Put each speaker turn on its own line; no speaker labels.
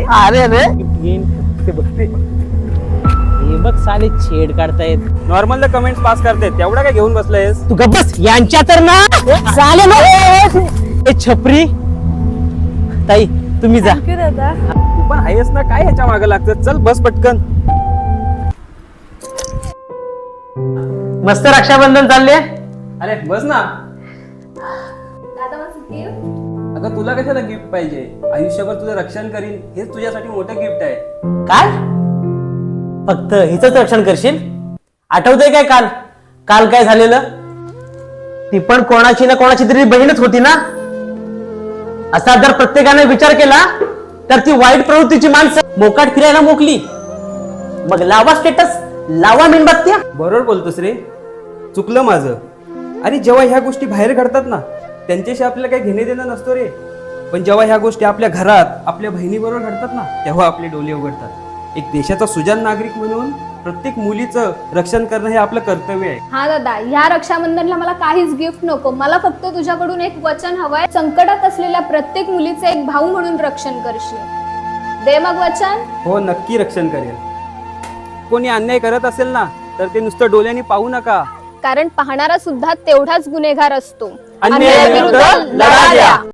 अरे अरे
ते बघते हे बघ साले छेड काढतायत.
नॉर्मल कमेंट्स पास करते तेवढा काय घेऊन बसलायस?
तू गप्प बस. यांच्या तर ना साले ए छपरी ताई तुम्ही जा.
थँक्यू दादा.
तू पण आहेस ना, काय ह्याच्या मागे लागतं? चल बस पटकन.
मस्त रक्षाबंधन चालले.
अरे बस ना.
दादा माझं गिफ्ट.
अगं तुला कशाला गिफ्ट पाहिजे? आयुष्यभर तुझं रक्षण करीन हेच तुझ्यासाठी मोठं गिफ्ट आहे.
काय फक्त हिचंच रक्षण करशील? आठवतंय काय काल काल काय झालेलं? ती पण कोणाची ना कोणाची तरी बहीणच होती ना. असा जर प्रत्येकाने विचार केला तर ती वाईट प्रवृत्तीची माणसं मोकाट फिरायला मोकली. मग लावा स्टेटस, लावा मेणबत्त्या.
बरोबर बोलतोस रे, चुकलं माझं. अरे जेव्हा ह्या गोष्टी बाहेर घडतात ना त्यांच्याशी आपल्याला काही घेणे देणं नसतो रे, पण जेव्हा ह्या गोष्टी आपल्या घरात आपल्या बहिणीबरोबर घडतात ना तेव्हा आपले डोळे उघडतात. एक देशाचा सुजाण नागरिक म्हणून प्रत्येक मुलीचं रक्षण करणं हे आपलं कर्तव्य आहे.
हा दादा, ह्या रक्षाबंधनला मला काहीच गिफ्ट नको. मला फक्त तुझ्याकडून एक वचन हवंय. संकटात असलेल्या प्रत्येक मुलीचे एक भाऊ म्हणून रक्षण करशील. दे मग वचन.
हो नक्की रक्षण करेल. कोणी अन्याय करत असेल ना तर ते नुसतं डोळ्यांनी पाहू नका,
कारण पाहणारा सुद्धा तेवढाच गुन्हेगार असतो.
अन्यायाविरुद्ध लढा द्या.